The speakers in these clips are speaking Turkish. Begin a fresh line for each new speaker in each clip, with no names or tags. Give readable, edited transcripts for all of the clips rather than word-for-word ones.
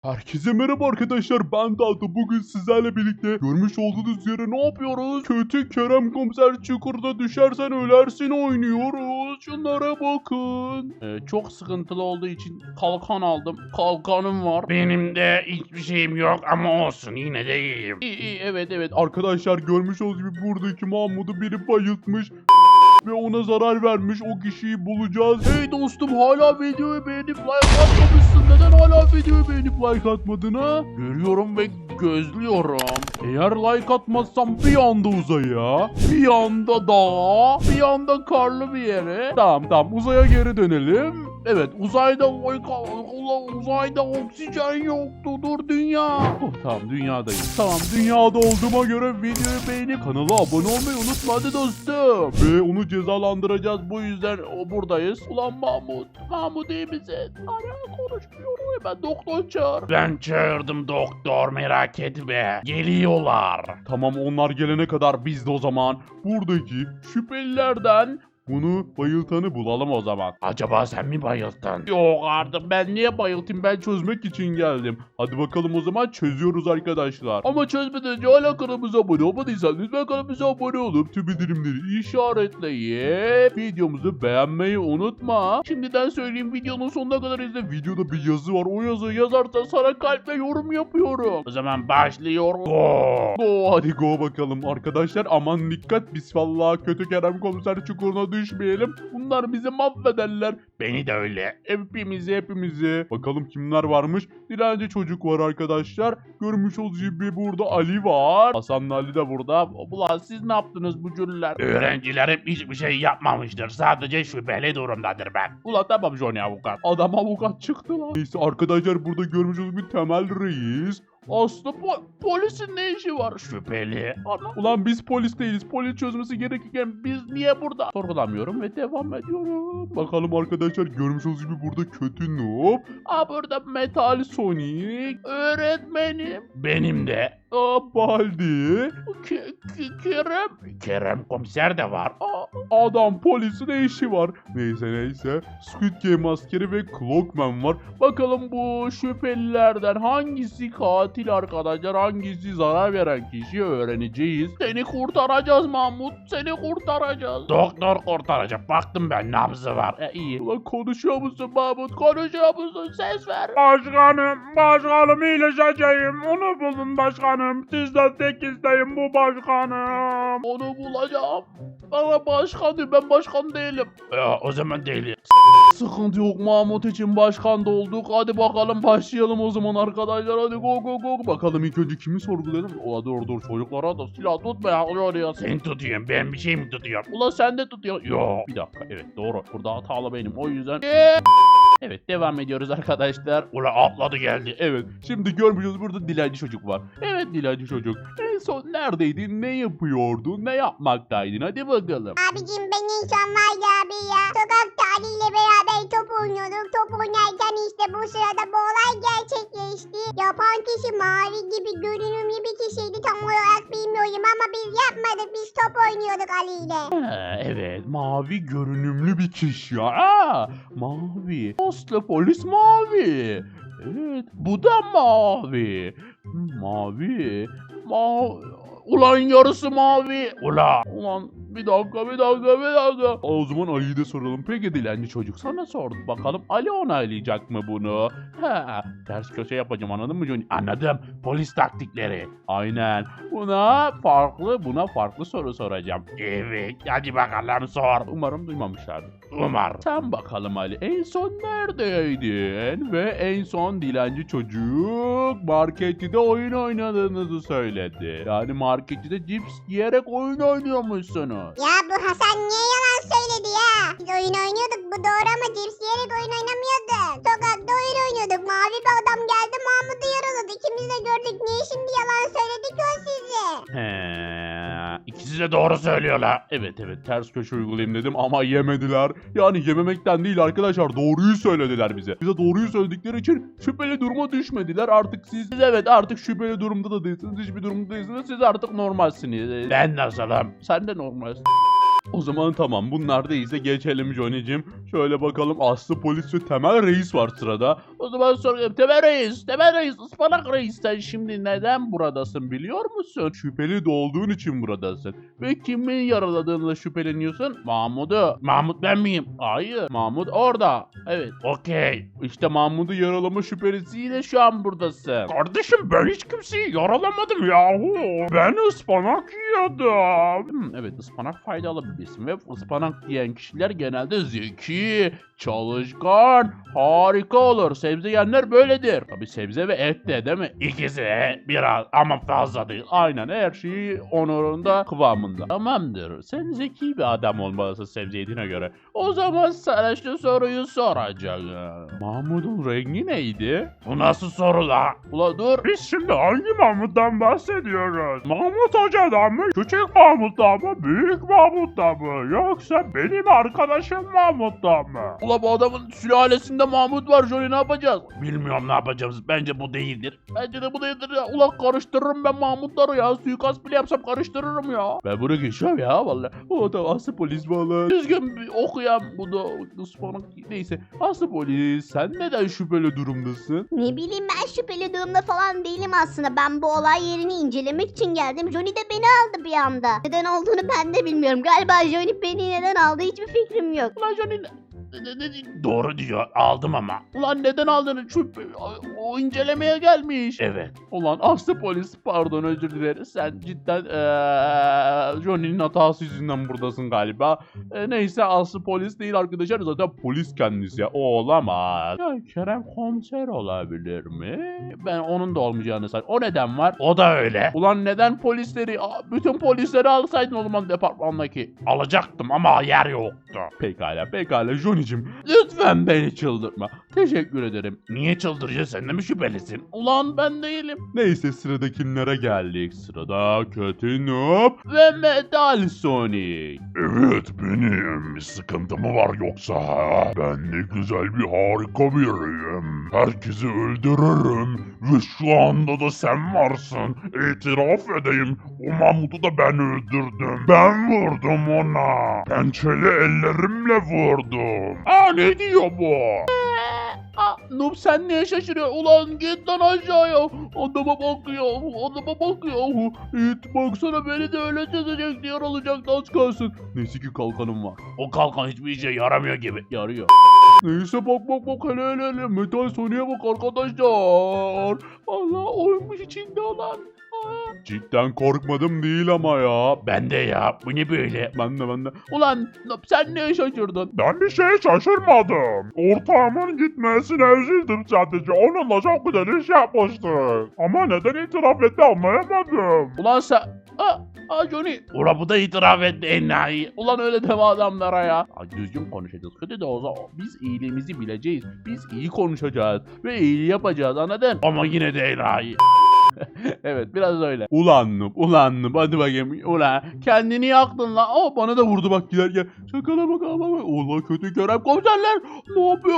Herkese merhaba arkadaşlar, ben Dalto. Bugün sizlerle birlikte görmüş olduğunuz üzere ne yapıyoruz? Kötü Kerem Komiser Çukurda Düşersen Ölersin oynuyoruz. Şunlara bakın. Çok sıkıntılı olduğu için kalkan aldım. Kalkanım var.
Benim de hiçbir şeyim yok ama olsun yine de iyiyim.
İyi, evet. Arkadaşlar görmüş olduğunuz gibi buradaki Mahmut'u biri bayıltmış. Ve ona zarar vermiş, o kişiyi bulacağız. Hey dostum, hala videoyu beğenip like atmamışsın. Neden hala videoyu beğenip like atmadın ha? Görüyorum ve gözlüyorum. Eğer like atmazsam bir anda uzaya, bir anda dağa, bir anda karlı bir yere. Tamam uzaya geri dönelim. Evet, uzayda oksijen yoktu. Dur dünya. Tamam, dünyadayım. Tamam, dünyada olduğuma göre videoyu beğenip kanala abone olmayı unutma hadi dostum. Ve onu cezalandıracağız, bu yüzden buradayız. Ulan Mahmut iyi misin? Hala konuşmuyor, hemen doktor çağır.
Ben çağırdım doktor, merak etme. Geliyorlar.
Tamam, onlar gelene kadar biz de o zaman buradaki şüphelilerden bunu bayıltanı bulalım o zaman.
Acaba sen mi bayıldın?
Yok artık, ben niye bayıltayım, ben çözmek için geldim. Hadi bakalım o zaman, çözüyoruz arkadaşlar. Ama çözmeden önce hala kanalımıza abone olmadıysanız lütfen kanalımıza abone olup tüm bildirimleri işaretleyip videomuzu beğenmeyi unutma. Şimdiden söyleyeyim, videonun sonuna kadar izle. Videoda bir yazı var, o yazıyı yazarsan sana kalp ve yorum yapıyorum.
O zaman başlıyor. Go.
Go, hadi go bakalım arkadaşlar. Aman dikkat, biz vallahi kötü Kerem Komiser çukuruna düşmeyelim. Bunlar bizi mahvederler.
Beni de öyle.
Hepimizi. Bakalım kimler varmış. Dilenci çocuk var arkadaşlar. Görmüş olduğunuz gibi burada Ali var. Hasan'la Ali de burada. Ulan siz ne yaptınız bu cüller?
Öğrencilerim hiçbir şey yapmamıştır. Sadece şüpheli durumdadır ben.
Ulan tamam Johnny avukat. Adam avukat çıktı lan. Neyse arkadaşlar, burada görmüş olduğunuz gibi Temel Reis. Aslında polisin ne işi var?
Şüpheli.
Ulan biz polis değiliz. Polis çözmesi gerekirken biz niye burada? Sorgulamıyorum ve devam ediyorum. Bakalım arkadaşlar, görmüş olduğunuz gibi burada kötü noob. Burada Metal Sonic. Öğretmenim.
Benim de.
Baldi.
Kerem komiser de var.
Adam polisin ne işi var? Neyse. Squid Game askeri ve Clockman var. Bakalım bu şüphelilerden hangisi katil arkadaşlar, hangisi zarar veren kişi öğreneceğiz. Seni kurtaracağız Mahmut, seni kurtaracağız.
Doktor kurtaracak. Baktım ben, nabzı var.
İyi. Ulan konuşuyor musun Mahmut? Konuşuyor musun? Ses ver.
Başkanım iyileşeceğim. Onu bulun başkanım. Sizden tek isteğim bu başkanım.
Onu bulacağım. Bana başkan diyor, ben başkan değilim.
O zaman değil.
Sıkıntı yok, Mahmut için başkan da olduk. Hadi bakalım başlayalım o zaman arkadaşlar. Hadi go. Bakalım ilk önce kimi sorgulayalım? Dur çocuklara da silah tutma ya.
Sen tutuyorsun, ben bir şey mi tutuyorum?
Ulan sen de tutuyorsun.
Yok.
Bir dakika, evet doğru. Burada hatalı benim, o yüzden. Evet, devam ediyoruz arkadaşlar.
Ula atladı geldi.
Evet, şimdi görmüşüz burada dilenci çocuk var. Evet, dilenci çocuk. En son neredeydin, ne yapıyordun, ne yapmaktaydın, hadi bakalım.
Abicim ben insan var ya abi ya. Sokakta Ali ile beraber top oynuyorduk. Top oynarken işte bu sırada bu olay gerçekleşti. Yapan kişi mavi gibi görünümlü bir kişiydi. Tam olarak bilmiyorum ama biz yapmadık. Biz top oynuyorduk Ali ile.
Evet, mavi görünümlü bir kişi ya. Mavi. Aslı polis mavi. Evet, bu da mavi. Mavi. Ulan yarısı mavi. Ulan bir dakika. O zaman Ali'yi de soralım. Peki dilenci çocuk, sana sordum bakalım. Ali onaylayacak mı bunu? Ters köşe yapacağım, anladın mı Johnny?
Anladım. Polis taktikleri.
Aynen. Buna farklı soru soracağım.
Evet. Hadi bakalım sor.
Umarım duymamışlardır.
Umar.
Sen bakalım Ali, en son neredeydin? Ve en son dilenci çocuk markette oyun oynadığınızı söyledi. Yani markette cips yiyerek oyun oynuyormuşsunuz.
Ya bu Hasan niye yalan söyledi ya? Biz oyun oynuyorduk, bu doğru ama cips yiyerek oyun oynamıyorduk. Sokakta oyun oynuyorduk. Mavi bir adam geldi, Mahmut'u yaraladı. İkimiz de gördük. Niye şimdi yalan söyledi ki o size?
İkisi de doğru söylüyorlar.
Evet, ters köşe uygulayayım dedim ama yemediler. Yani yememekten değil arkadaşlar, doğruyu söylediler bize. Bize doğruyu söyledikleri için şüpheli duruma düşmediler. Artık siz evet, artık şüpheli durumda da değilsiniz. Hiçbir durumda değilsiniz. Siz artık normalsiniz.
Ben nasılım?
Sen de normalsin. O zaman tamam, bunlar değilse geçelim Johnny'cim. Şöyle bakalım, Aslı polis ve Temel Reis var sırada.
O zaman soruyorum. Temel Reis, ıspanak reis, sen şimdi neden buradasın biliyor musun?
Şüpheli doğduğun için buradasın.
Ve kimin yaraladığını şüpheleniyorsun? Mahmut'u. Mahmut ben miyim? Hayır. Mahmut orada. Evet. Okey.
İşte Mahmut'u yaralama şüphelisiyle şu an buradasın.
Kardeşim ben hiç kimseyi yaralamadım yahu. Ben ıspanak yiyordum.
Evet, ıspanak faydalı bir besin ve ıspanak yiyen kişiler genelde zeki, çalışkan, harika olur. Sebze yiyenler böyledir. Tabii sebze ve et de, değil mi?
İkisi biraz ama fazla değil.
Aynen, her şeyi onurunda, kıvamında. Tamamdır. Sen zeki bir adam olmalısın sebze yediğine göre. O zaman sana şu soruyu soracağım. Mahmut'un rengi neydi?
Bu nasıl soru la?
Ula dur.
Biz şimdi hangi Mahmut'tan bahsediyoruz? Mahmut Hoca'dan mı? Küçük Mahmut'tan mı? Büyük Mahmut'tan mı? Yoksa benim arkadaşım Mahmut'tan mı?
Ula bu adamın sülalesinde Mahmut var Johnny, ne yapacağız?
Bilmiyorum ne yapacağız. Bence bu değildir.
Bence de bu değildir ya. Ula karıştırırım ben Mahmutları ya. Suikast bile yapsam karıştırırım ya. Ben bunu geçiyorum ya vallahi. O da Aslı polis valla. Düzgün bir okuyan bu da ıspanak. Neyse. Aslı polis, sen neden şüpheli durumdasın?
Ne bileyim, ben şüpheli durumda falan değilim aslında. Ben bu olay yerini incelemek için geldim. Johnny de beni aldı bir anda. Neden olduğunu ben de bilmiyorum. Galiba Johnny beni neden aldı hiçbir fikrim yok.
Ulan Johnny
Doğru diyor. Aldım ama.
ulan neden aldın? O incelemeye gelmiş.
Evet.
Ulan Aslı polis, pardon, özür dileriz. Sen cidden Johnny'nin hatası yüzünden buradasın galiba. Neyse, Aslı polis değil arkadaşlar, zaten polis kendisi ya. O olamaz. Ya Kerem komiser olabilir mi? Ben onun da olmayacağını sanıyorum. O neden var?
O da öyle.
Ulan neden polisleri, bütün polisleri alsaydın o zaman departmandaki.
Alacaktım ama yer yoktu.
Pekala Johnny'cim. Lütfen beni çıldırtma. Teşekkür ederim.
Niye çıldıracaksın? Sen de mi şüphelisin?
Ulan ben değilim. Neyse, sıradakilere geldik. Sırada Kötü Noob ve Metal Sonic.
Evet benim. Bir sıkıntı mı var yoksa ha? Ben ne güzel bir harika biriyim. Herkesi öldürürüm. Ve şu anda da sen varsın. İtiraf edeyim. O Mahmut'u da ben öldürdüm. Ben vurdum ona. Pençeli ellerimle vurdum.
Ne diyor bu? Noob, sen niye şaşırıyorsun? Ulan git lan aşağıya. Adama bakıyor. İt baksana, beni de öyle çözecek, yaralacaktı az kalsın. Neyse ki kalkanım var.
O kalkan hiçbir işe yaramıyor gibi.
Yarıyor. Neyse bak hele Metal Sonic'e bak arkadaşlar. Allah, oymuş içinde olan. Cidden korkmadım değil ama ya.
Ben de ya. Bu ne böyle?
Ben de. Ulan Noob, sen niye şaşırdın?
Ben bir şeye şaşırmadım. Ortağımın gitmesine üzüldüm sadece. Onunla çok güzel iş yapmıştık. Ama neden itiraf etti anlayamadım.
Ulan sen... Johnny.
Ula bu da itiraf etti enayi.
Ulan öyle deme adamlara ya. Düzgün konuşacağız. Kötü de o zaman biz iyiliğimizi bileceğiz. Biz iyi konuşacağız. Ve iyi yapacağız, anladın?
Ama yine de enayi.
Evet, biraz öyle. Ulan Noob hadi bakayım. Ulan kendini yaktın lan. Bana da vurdu bak giderken. Şakala bak. Ulan kötü Kerem komiserler. Ne yapıyor?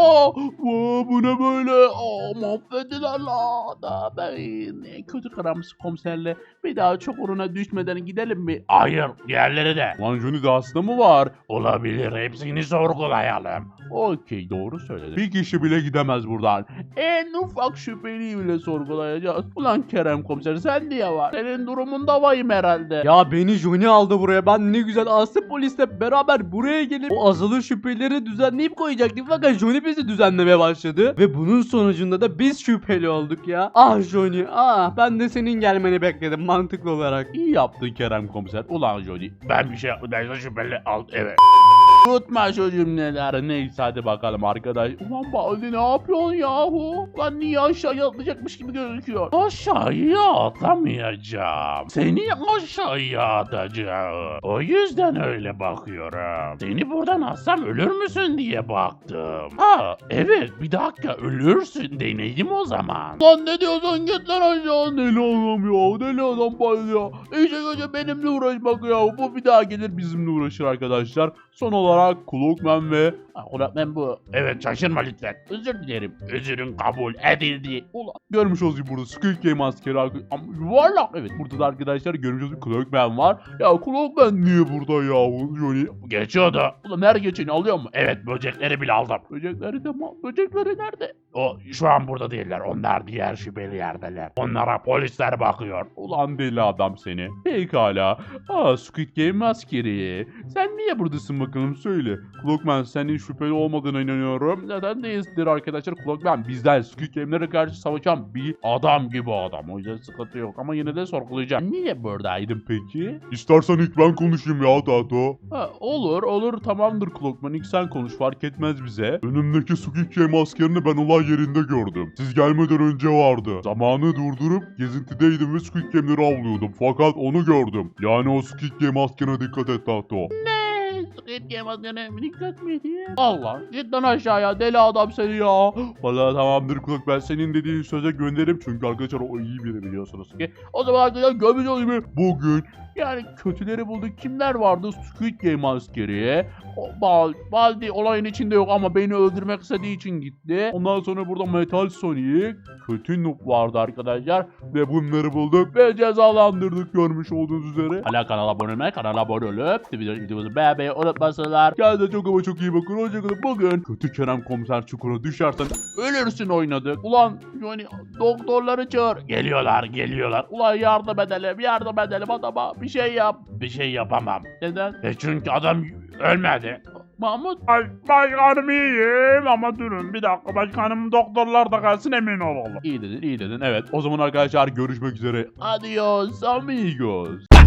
Bu ne böyle? Mahvettiler la. Da ben kötü Kerem komiserle bir daha çok uğruna düşmeden gidelim mi?
Hayır. Diğerleri de.
Lan Johnny'de hasta mı var?
Olabilir. Hepsini sorgulayalım.
Okey, doğru söyledin. Bir kişi bile gidemez buradan. En ufak şüpheliyi bile sorgulayacağız. Ulan Kerem komiser, sen diye var. Senin durumunda vayım herhalde.
Ya beni Johnny aldı buraya. Ben ne güzel Aslı polisle beraber buraya gelip o azılı şüpheleri düzenleyip koyacaktık. Fakat Johnny bizi düzenlemeye başladı. Ve bunun sonucunda da biz şüpheli olduk ya. Ah Johnny, ben de senin gelmeni bekledim mantıklı olarak.
İyi yaptın Kerem komiser. Ulan Johnny.
Ben bir şey yapmadım. Şüpheli al. Evet.
Tutma şu cümleleri. Neyse hadi bakalım arkadaş. Ulan Baldi ne yapıyorsun yahu? Ulan niye aşağıya atlayacakmış gibi gözüküyor.
Aşağıya atlamayacağım. Seni aşağıya atacağım. O yüzden öyle bakıyorum. Seni buradan atsam ölür müsün diye baktım. Evet bir dakika ölürsün deneyelim o zaman.
Lan ne diyorsun, git lan aşağı. Deli adam ya. Deli adam Baldi ya. İyice benimle uğraşmak ya. Bu bir daha gelir bizimle uğraşır arkadaşlar. Son olarak Clockman ve
Kulakmen bu. Evet şaşırma lütfen. Özür dilerim. Özürün kabul edildi.
Ulan görmüş olduğunuz gibi burada Squid Game askeri ama yuvarlak. Evet burada da arkadaşlar görmüş olduğunuz gibi Clockman var. Ya Clockman niye burada yahu Johnny?
Geçiyordu.
Ulan her geçeni alıyor mu?
Evet böcekleri bile aldım.
Böcekleri de böcekleri nerede?
O şu an burada değiller. Onlar diğer şüpheli yerdeler. Onlara polisler bakıyor.
Ulan deli adam seni. Pekala. Squid Game askeri. Sen niye buradasın bakalım söyle. Clockman senin şüpheli olmadığına inanıyorum. Neden değildir arkadaşlar? Clockman bizden Squid Game'lere karşı savaşan bir adam gibi adam. O yüzden sıkıntı yok ama yine de sorgulayacağım. Niye buradaydın peki?
İstersen ilk ben konuşayım ya Tato.
Olur tamamdır Clockman, ilk sen konuş, fark etmez bize. Önümdeki Squid Game askerini ben olay yerinde gördüm. Siz gelmeden önce vardı. Zamanı durdurup gezintideydim ve Squid Game'leri avlıyordum. Fakat onu gördüm. Yani o Squid Game askerine dikkat et Tato.
Squid Game adına dikkat mi diye.
Allah, cidden aşağıya deli adam seni ya. Valla tamamdır Clockman, senin dediğin söze gönderirim çünkü arkadaşlar o iyi biri biliyorsunuz ki. O zaman arkadaşlar görmüş gibi bugün yani kötüleri bulduk. Kimler vardı? Squid Game askeri. Baldi olayın içinde yok ama beni öldürmek istediği için gitti. Ondan sonra burada Metal Sonic, kötü noob vardı arkadaşlar. Ve bunları bulduk ve cezalandırdık görmüş olduğunuz üzere. Hala kanala abone olmayı, kanala abone olup videomuzu beğenmeyi unutmasınlar. Kendinize çok ama çok iyi bakın. Hoşçakalın. Bugün kötü Kerem Komiser çukura düşersen ölürsün oynadık. Ulan yani doktorları çağır.
Geliyorlar.
Ulan yardım edelim adama. Bir şey yap.
Bir şey yapamam.
Neden?
Çünkü adam ölmedi.
Mahmut.
Başkanım iyiyim ama durun bir dakika başkanım doktorlar da kalsın emin olalım.
İyi dedin. Evet. O zaman arkadaşlar görüşmek üzere. Adios amigos.